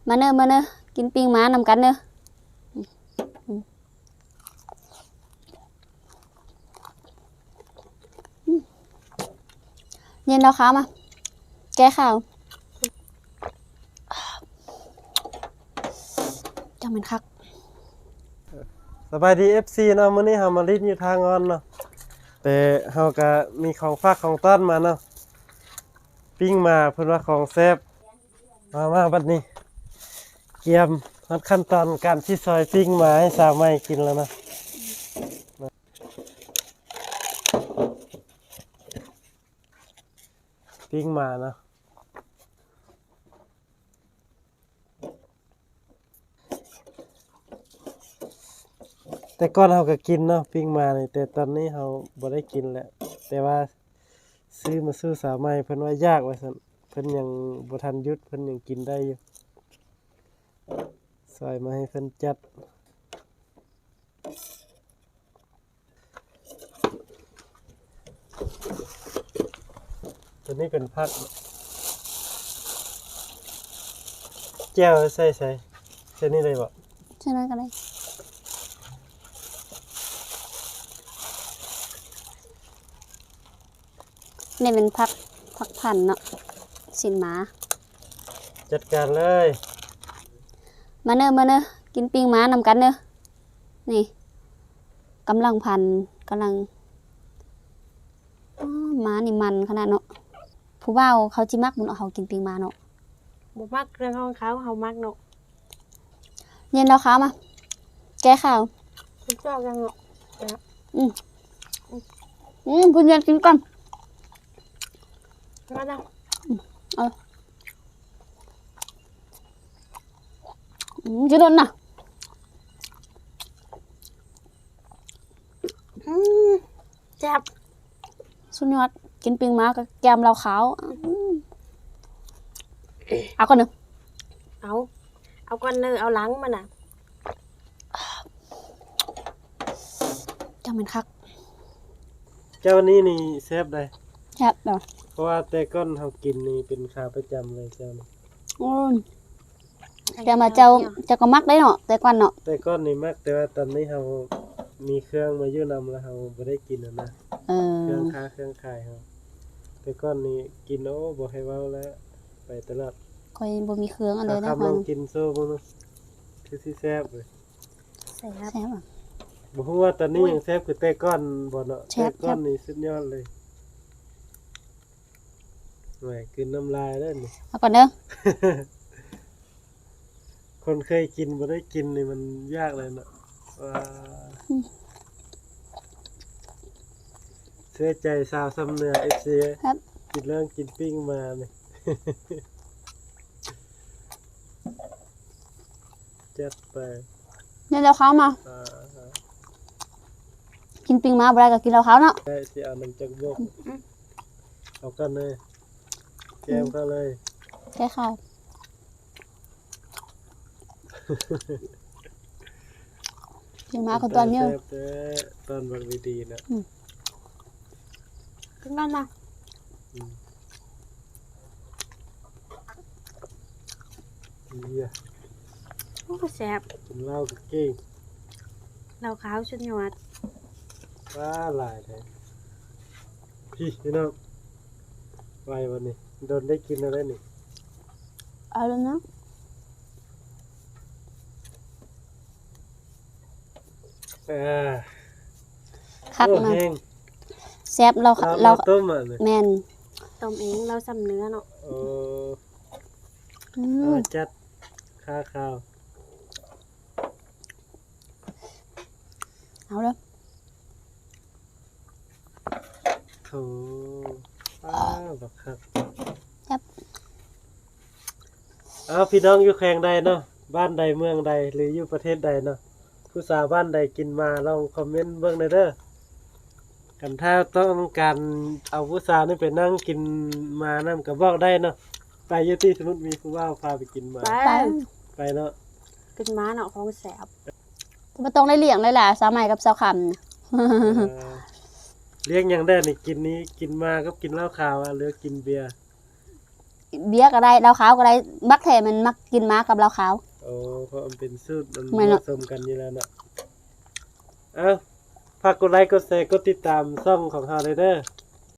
มาเนอะมาเนอะกินปิ้งม้านำกันเนอะเย็นแล้วข้าวมาแก้ข้าวจังเป็นคักสบายดี FC เนาะมื้อนี้เฮามาลิ้นอยู่ทางงอนเนาะแต่เฮาก็มีของฝากของต้อนมาเนาะปิ้งมาเพิ่นว่าของแซ่บมาบัดนี้เตรียมขั้นตอนการที่ซอยปิ้งมาให้สาวใหม่กินแล้วนะปิ้งมาเนาะแต่ก่อนเฮาก็กินเนาะปิ้งมานี่แต่ตอนนี้เฮาบ่ได้กินแล้วแต่ว่าซื้อมาสู้สาวใหม่เพิ่นว่ายากว่าซั่นเพิ่นยังบ่ทันหยุดเพิ่นยังกินได้อยู่ซอยมาให้เพิ่นจัดตัวนี้เป็นผักแจ่วใส่นี่เลยบ่ใช่ไหมกันเลยนี่เป็นพักพันเนาะสินหมาจัดการเลยมาเนอะมาเนอะกินปิ้งม้านำกันเนอะนี่กำลังพันกำลังม้านี่มันขนาดเนาะผู้บ่าวเขาจิมักบุญเอาเขากินปิ้งม้าเนาะบ่มักเรื่องของเขาเฮามักเนาะเย็นแล้วข้าวมาแก้ข้าวคุณเจ้ายังเนาะคุณเย็นกินก่อนมาเนาะจะโดนน่ะแซ่บสุดยอดกินปิ้งม้ากับแกมเราขาวเอาก่อนหนึ่งเอาก่อนเนอเอาหลังมันน่ะจังเป็นคักเจ้านี้นี่แซ่บได้ครับเนาะเพราะว่าแต่ก่อนเฮากินนี่เป็นขาประจำเลยเจ้านี่แต่มาเจ้าก็มักได้เนาะแต่ก่อนเนาะแต่ก่อนนี่มักแต่ว่าตอนนี้เฮามีเครื่องมาอยู่นำแล้วเฮาบ่ได้กินแล้วนะเครื่องค้าเครื่องขายเฮาแต่ก่อนนี่กินโอ้บ่ให้เว้าแล้วไปตลาดค่อยบ่มีเครื่องอะไรได้ครับลองกินโซ่บ่เนาะคือสิแซ่บเลยแซ่บบ่ฮู้ว่าตอนนี้ยังแซ่บคือแต่ก่อนบ่เนาะแต่ก่อนนี่สุดยอดเลยแหมกินน้ำลายแล้วนี่เอาก่อนเด้อคนเคยกินบ่ได้กินนี่มันยากเลยเนาะเสียใจสาวซ้ำเหนือ FC ครับกินเรื่องกินปิ้งมานี่ จัดไปเนี่ยเราเขามากินปิ้งมาบ่ได้ก็กินเราเขาเนาะได้สิเอาน้ำจักบกเอากันเลยแกมก็เลยแค่ข้าวปิ้งมาคนตอนนี้ตอนบักดีๆนะกินกันนะโอ้แซ่บกินเหล้ากับเก่งเหล้าขาวสุดยอดว้าหลายแท้พี่น้องไววันนี้โดนได้กินอะไรนี่เอาแล้วนะคักนะแซ่บเราต้มอ่ะแม่นต้มเองเราซ้ำเนื้อเนาะจัดข้าวเอาเลยโถบักคักครับพี่น้องอยู่แข่งใดเนาะบ้านใดเมืองใดหรืออยู่ประเทศใดเนาะผู้สาวบ้านใดกินมาลองคอมเมนต์เบิ่งได้เด้อกันถ้าต้องการเอาผู้สาวนี่ไปนั่งกินมานั่นก็บอกได้เนาะไปอยู่ที่สมมุติมีผู้ว่าพาไปกินมาไปเนาะกินม้าเนาะของแซ่บบ่ต้องได้เลี้ยงเลยล่ะสาวใหม่กับสาวคำเลี้ยงอย่างได้นี่กินนี้กินมาก็กินเหล้าขาวหรือกินเบียร์เบียร์ก็ได้เหล้าขาวก็ได้มักแท้มันมักกินม้ากับเหล้าขาวโอ้เพราะมันเป็นสูตรมันไม่ผหรอกสมกันอยู่แล้วเนาะเอ้าฝากกดไลค์กดแชร์กดติดตามช่องของเฮาเลยเด้อ